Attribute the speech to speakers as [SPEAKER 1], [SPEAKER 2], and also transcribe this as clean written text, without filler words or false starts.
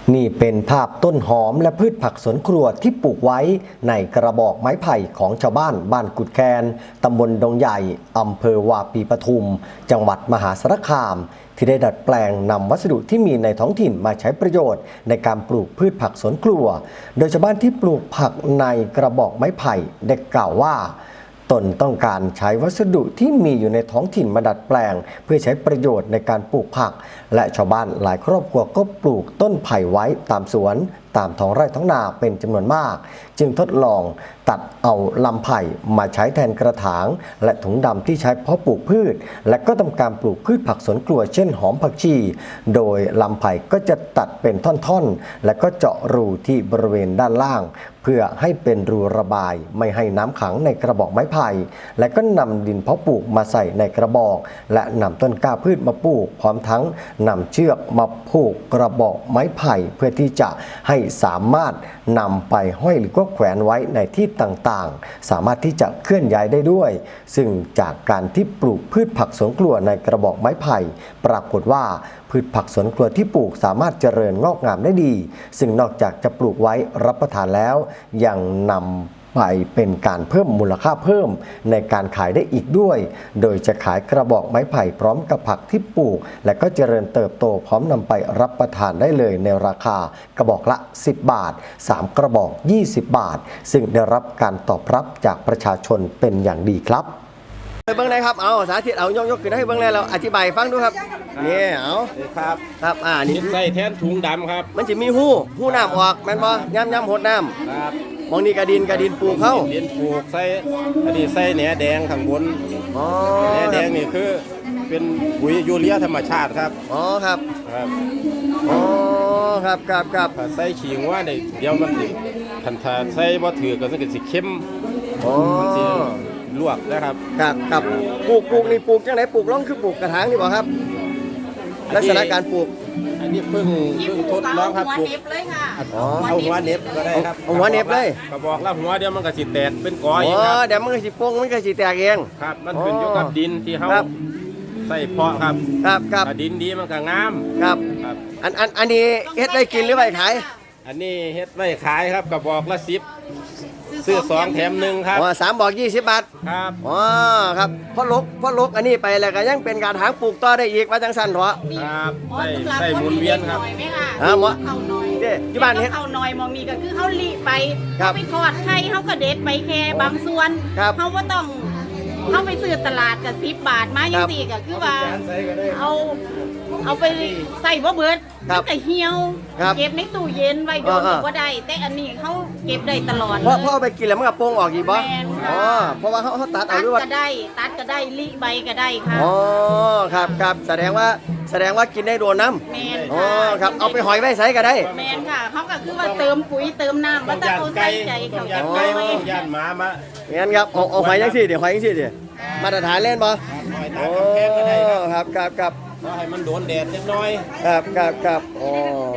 [SPEAKER 1] นี่เป็นภาพต้นหอมและพืชผักสวนครัวที่ปลูกไว้ในกระบอกไม้ไผ่ของชาวบ้านบ้านกุดแคนตำบลดงใหญ่อำเภอวาปีปทุมจังหวัดมหาสารคามที่ได้ดัดแปลงนำวัสดุที่มีในท้องถิ่นมาใช้ประโยชน์ในการปลูกพืชผักสวนครัวโดยชาวบ้านที่ปลูกผักในกระบอกไม้ไผ่ได้กล่าวว่าตนต้องการใช้วัสดุที่มีอยู่ในท้องถิ่นมาดัดแปลงเพื่อใช้ประโยชน์ในการปลูกผักและชาวบ้านหลายครอบครัวก็ปลูกต้นไผ่ไว้ตามสวนตามท้องไร่ท้องนาเป็นจำนวนมากจึงทดลองตัดเอาลำไผ่มาใช้แทนกระถางและถุงดำที่ใช้เพาะปลูกพืชและก็ทำการปลูกพืชผักสวนครัวเช่นหอมผักชีโดยลำไผ่ก็จะตัดเป็นท่อนๆและก็เจาะรูที่บริเวณด้านล่างเพื่อให้เป็นรูระบายไม่ให้น้ำขังในกระบอกไม้ไผ่และก็นำดินเพาะปลูกมาใส่ในกระบอกและนำต้นกล้าพืชมาปลูกพร้อมทั้งนำเชือกมาผูกกระบอกไม้ไผ่เพื่อที่จะให้สามารถนำไปห้อยหรือก็แขวนไว้ในที่ต่างๆสามารถที่จะเคลื่อนย้ายได้ด้วยซึ่งจากการที่ปลูกพืชผักสวนครัวในกระบอกไม้ไผ่ปรากฏว่าพืชผักสวนครัวที่ปลูกสามารถเจริญงอกงามได้ดีซึ่งนอกจากจะปลูกไว้รับประทานแล้วยังนำไปเป็นการเพิ่มมูลค่าเพิ่มในการขายได้อีกด้วยโดยจะขายกระบอกไม้ไผ่พร้อมกับผักที่ปลูกและก็เจริญเติบโตพร้อมนำไปรับประทานได้เลยในราคากระบอกละ10 บาท3กระบอก20 บาทซึ่งได้รับการตอบรับจากประชาชนเป็นอย่างดีครับเบิ้งได้ครับเอาสาธิตเอายกขึ้นให้เบิ้งได้เราอธิบายฟังดูครับนี่เอาครับนี่
[SPEAKER 2] ใส่แทนถุงดำครับ
[SPEAKER 1] มันจะมีหู้น้ำออกแม่นบ่ย่ำหดน้ำ
[SPEAKER 2] ครับ
[SPEAKER 1] มองนี่กระดินปลูกเข้า
[SPEAKER 2] ดินปลูกใส่อันนี้ใส่แหนแดงข้างบนแหนแดงนี่คือเป็นปุ๋ยยูเรียธรรมชาติครับ
[SPEAKER 1] ครับครับ
[SPEAKER 2] ใส่ขิงว่าเดี๋ยวมันสิคันถ้าใส่บ่ถือก็สิเข้มมันสิลวกนะครับ
[SPEAKER 1] ครับปลูกนี่ปลูกจังไหนปลูกล่องคือปลูกกระถางนี่บ่ครับลักษณะการปลูก
[SPEAKER 2] อันนี้เพิ่งทดลองครับปลูกเอาหัวเน็บก็ได้ครับ
[SPEAKER 1] เอาหัวเน็บเลย
[SPEAKER 2] กระบอกละหัวเดี๋ยวมันก็สิแตกเป็นกอเองครับ
[SPEAKER 1] เดี๋ยวมันก็สิโป่งมันก็สิแตกเอง
[SPEAKER 2] ครับมันขึ้นอยู่กับดินที่เฮาใส่เพาะครับดินดีมันก็งาม
[SPEAKER 1] ครับอันนี้เฮ็ดได้กินหรือไว้ขาย
[SPEAKER 2] อันนี้เฮ็ดไว้ขายครับกระบอกละ10ซื้อ2แถม1ครับ
[SPEAKER 1] 3บอก20 บาท
[SPEAKER 2] ครับ
[SPEAKER 1] ครับพ่อลกอันนี้ไปแล้วก็ยังเป็นการหางปลูกต่อได้อีกว่าจังซั่นเถาะ
[SPEAKER 2] ครับใส่หมุนเวียนครับ
[SPEAKER 1] หมอเขาน้อยที่บ้านเฮ็ด
[SPEAKER 3] เขาน้อยมองมีก็คือเขาลีไปเขาไปทอดไข่เขาก็เด็ดไปแค่บางส่วนเขาว่าต้องเขาไปซื้อตลาดกับ10 บาทมาอย่างสี่ก็คือว่าเอาไปใส่บ่เบิดมันก็เหี่ยวเก็บในตู้เย็นไว้โดนก็ได้แต่อันนี้เขาเก็บได้ตลอด
[SPEAKER 1] เพราะเอาไปกินแล้วมันก็โป่งออกอีกบ่เพราะว่าเขาตัดเอาด้วย
[SPEAKER 3] ตัดก็ได้ลิใบก็ได้ค่ะ
[SPEAKER 1] ครับแสดงว่ากินได้โดนน้ำครับเอาไปหอยไว้ใส่ก็ได้
[SPEAKER 3] แมนค่ะเขาก็คือว่าเติมปุ๋ยเติมน้ำว่าต้องเอาใส่ใจเขาจะ
[SPEAKER 2] ไก่ย่านหมามา
[SPEAKER 1] งั้นครับเอาหอยยังสิเดี๋ยวหอยยังสิเดี๋ยวมาตรฐานเล่นบ่ครับ
[SPEAKER 2] ให้มันโดนแดดนิดหน่อย
[SPEAKER 1] ครับ